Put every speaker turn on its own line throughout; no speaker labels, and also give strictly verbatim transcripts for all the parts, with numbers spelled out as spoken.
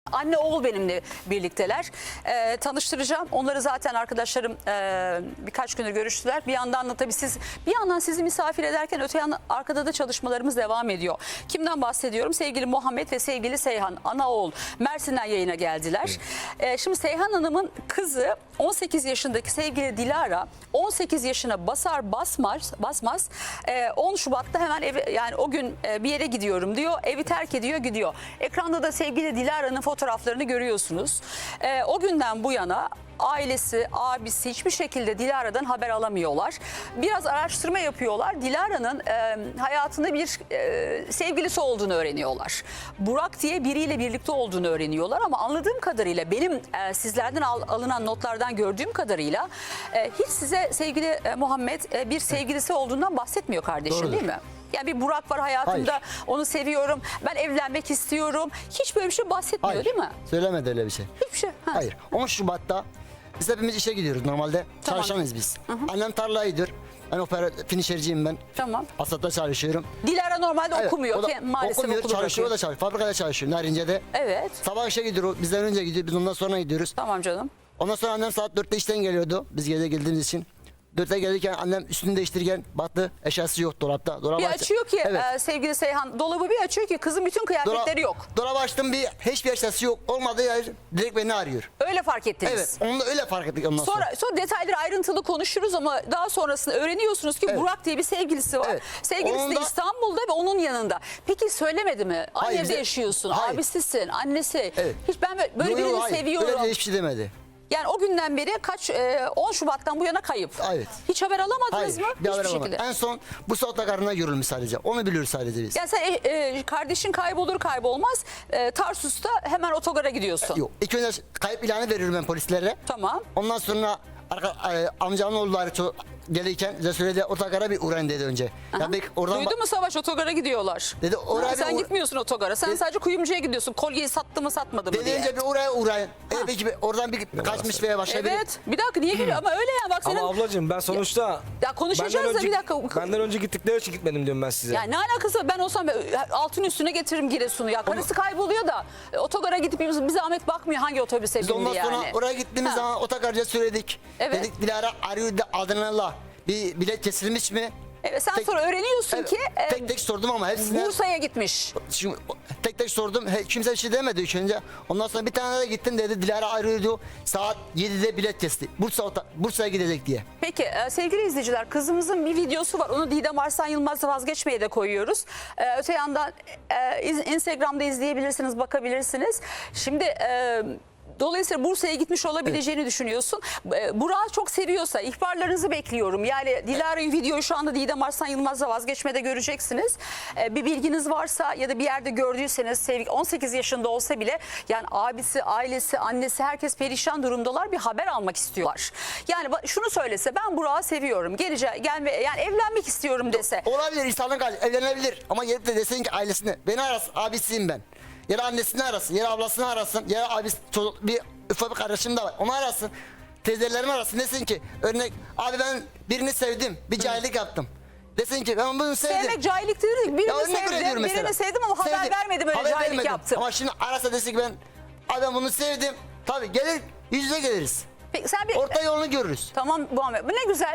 Anne oğul benimle birlikteler. Ee, tanıştıracağım. Onları zaten arkadaşlarım e, birkaç gündür görüştüler. Bir yandan da tabii siz bir yandan sizi misafir ederken öte yandan arkada da çalışmalarımız devam ediyor. Kimden bahsediyorum? Sevgili Muhammed ve sevgili Seyhan, ana oğul Mersin'den yayına geldiler. Ee, şimdi Seyhan Hanım'ın kızı on sekiz yaşındaki sevgili Dilara on sekiz yaşına basar basmaz basmaz e, on Şubat'ta hemen ev, yani o gün e, bir yere gidiyorum diyor. Evi terk ediyor, gidiyor. Ekranda da sevgili Dilara'nın fotoğraflarını görüyorsunuz. E, o günden bu yana ailesi, abisi hiçbir şekilde Dilara'dan haber alamıyorlar. Biraz araştırma yapıyorlar. Dilara'nın e, hayatında bir e, sevgilisi olduğunu öğreniyorlar. Burak diye biriyle birlikte olduğunu öğreniyorlar ama anladığım kadarıyla benim e, sizlerden al, alınan notlardan gördüğüm kadarıyla e, hiç size sevgili e, Muhammed e, bir sevgilisi olduğundan bahsetmiyor kardeşim. Doğrudur. Değil mi? Yani bir Burak var hayatımda, hayır, onu seviyorum, ben evlenmek istiyorum. Hiç böyle bir şey bahsetmiyor, hayır, değil mi?
Söylemedi öyle bir şey.
Hiçbir şey. Ha.
Hayır. on Şubat'ta biz hepimiz işe gidiyoruz normalde. Tamam. Çalışanız biz. Hı hı. Annem tarlaya gidiyor. Ben operatör, finişerciyim ben. Tamam. Asat'ta çalışıyorum.
Dilara normalde evet, okumuyor.
O da,
ki, maalesef
okumuyor, çalışıyor, bırakıyor. O da çalışıyor. Fabrikada çalışıyor Narince'de. Evet. Sabah işe gidiyor, bizden önce gidiyor, biz ondan sonra gidiyoruz.
Tamam canım.
Ondan sonra annem saat dörtte işten geliyordu, biz gece geldiğimiz için. Dörtte gelirken annem üstünü değiştirirken baktı, eşyası yok dolapta. Dolabı
bir
aç
açıyor ki
evet.
e, sevgili Seyhan, dolabı bir açıyor ki kızın bütün kıyafetleri Dola yok.
Dolabı açtım, bir hiçbir eşyası yok. Olmadığı yer direkt beni arıyor.
Öyle fark ettiniz.
Evet, onu da öyle fark ettik ondan sonra.
Sonra, sonra detayları ayrıntılı konuşuruz ama daha sonrasında öğreniyorsunuz ki evet, Burak diye bir sevgilisi var. Evet. Sevgilisi onun de da... İstanbul'da ve onun yanında. Peki söylemedi mi? Aynı hayır, evde bize... yaşıyorsun, hayır, abisisin, annesi. Evet. Hiç ben böyle, böyle yo, yo, birini hayır, seviyorum.
Öyle hiçbir şey demedi.
Yani o günden beri kaç e, on Şubat'tan bu yana kayıp. Evet. Hiç haber alamadınız
hayır,
mı?
Bir haber
Hiçbir şekilde.
En son bu otogarına görülmüş sadece. Onu biliyoruz sadece biz.
Yani sen e, e, kardeşin kaybolur kaybolmaz e, Tarsus'ta hemen otogara gidiyorsun.
Yok. İlk önce kayıp ilanı veriyorum ben polislere. Tamam. Ondan sonra arka, e, amcamın oğulları gelirken bize söyledi otogara bir uğrayın dedi önce.
Yani duydun mu Savaş, otogara gidiyorlar. Dedi oraya ha, sen gitmiyorsun otogara. Sen dedi, sadece kuyumcuya gidiyorsun. Kolyeyi sattı mı satmadı mı
dedi
diye.
Dedi önce bir oraya uğrayın. E, peki bir, oradan bir ya kaçmış veya başka biri.
Evet. Bir dakika niye gülüyor ama öyle ya bak senin.
Ama ablacığım ben sonuçta.
Ya, ya konuşacağız da bir dakika.
Benden önce gittikleri için gitmedim diyorum ben size.
Ya ne alakası var? Ben olsam altın üstüne getiririm Giresun'u ya. Karısı ama kayboluyor da e, otogara gidip bir zahmet bakmıyor hangi otobüse bindi yani.
Ondan sonra oraya gittiğimiz ha. zaman otogarca söyledik. Evet. Dedik Dilara arıyor da adını Allah. Bir bilet kesilmiş mi?
Evet, sen
tek,
sonra öğreniyorsun evet, ki e,
tek tek sordum ama hepsine
Bursa'ya gitmiş.
Şimdi, tek tek sordum. He, kimse bir şey demedi ilk önce. Ondan sonra bir tane de gittim dedi. Dilara arıyordu. Saat yedide bilet kesti. Bursa Bursa'ya gidecek diye.
Peki e, sevgili izleyiciler, kızımızın bir videosu var. Onu Didem Arslan Yılmaz'la vazgeçmeye de koyuyoruz. E, öte yandan e, Instagram'da izleyebilirsiniz, bakabilirsiniz. Şimdi e, dolayısıyla Bursa'ya gitmiş olabileceğini evet, düşünüyorsun. Burak'ı çok seviyorsa ihbarlarınızı bekliyorum. Yani Dilara'yı videoyu şu anda Didem Arslan Yılmaz'la vazgeçmede göreceksiniz. Bir bilginiz varsa ya da bir yerde gördüyseniz on sekiz yaşında olsa bile yani abisi, ailesi, annesi herkes perişan durumdalar. Bir haber almak istiyorlar. Yani şunu söylese ben Burak'ı seviyorum. Geleceğim, gelme, yani evlenmek istiyorum dese.
Olabilir, insanın evlenebilir ama gelip de desin ki ailesine beni arasın, abisiyim ben. Ya da annesini arasın, ya da ablasını arasın, ya da abisi, çocuk, bir ufak bir kardeşim de var. Onu arasın, teyzelerimi arasın. Desin ki örnek, abi ben birini sevdim, bir cahillik yaptım. Desin ki ben bunu sevdim.
Sevmek cahillik değil, birini sevdim, birini sevdim ama haber sevdim, vermedim öyle haber cahillik vermedim. Yaptım.
Ama şimdi arasa desin ki ben, abi ben bunu sevdim. Tabii gelir, yüz yüze geliriz. Peki, sen bir, orta yolunu görürüz.
Tamam Muhammed, bu ne güzel.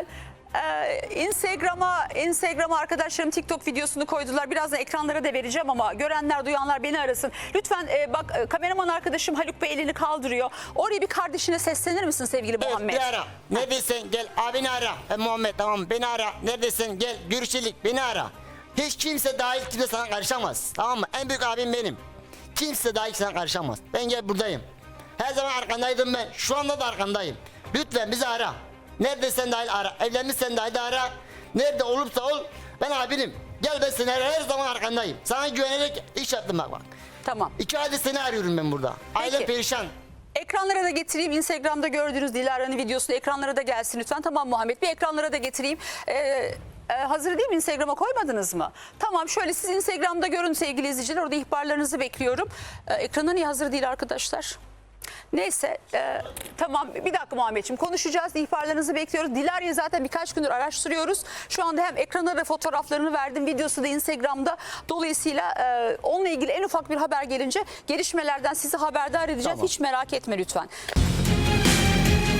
Ee, Instagram'a Instagram'a arkadaşlarım TikTok videosunu koydular. Birazdan ekranlara da vereceğim ama görenler duyanlar beni arasın. Lütfen e, bak e, kameraman arkadaşım Haluk Bey elini kaldırıyor. Oraya bir kardeşine seslenir misin sevgili evet, Muhammed?
Evet, bir ara. Neredesin gel abini ara. E, Muhammed tamam beni ara. Neredesin gel görüşelim beni ara. Hiç kimse dahil kimse sana karışamaz. Tamam mı? En büyük abim benim. Kimse dahil sana karışamaz. Ben gel buradayım. Her zaman arkandaydım ben. Şu anda da arkandayım. Lütfen bizi ara. Neredesin dahil ara. Evlenmişsen dahil ara. Nerede olursa ol. Ben abinim. Gel ben seni her zaman arkandayım. Sana güvenerek iş yaptım bak bak.
Tamam.
İki aydır seni arıyorum ben burada. Ailem perişan.
Ekranlara da getireyim. Instagram'da gördüğünüz Dilara'nın videosunu ekranlara da gelsin lütfen. Tamam Muhammed, bir ekranlara da getireyim. Ee, e, hazır değil mi? Instagram'a koymadınız mı? Tamam, şöyle siz Instagram'da görün sevgili izleyiciler. Orada ihbarlarınızı bekliyorum. Ee, ekrana niye hazır değil arkadaşlar? Neyse e, tamam bir dakika Muhammedciğim konuşacağız. İhbarlarınızı bekliyoruz. Dilara'yı zaten birkaç gündür araştırıyoruz. Şu anda hem ekrana da fotoğraflarını verdim. Videosu da Instagram'da. Dolayısıyla e, onunla ilgili en ufak bir haber gelince gelişmelerden sizi haberdar edeceğiz.
Tamam.
Hiç merak etme lütfen.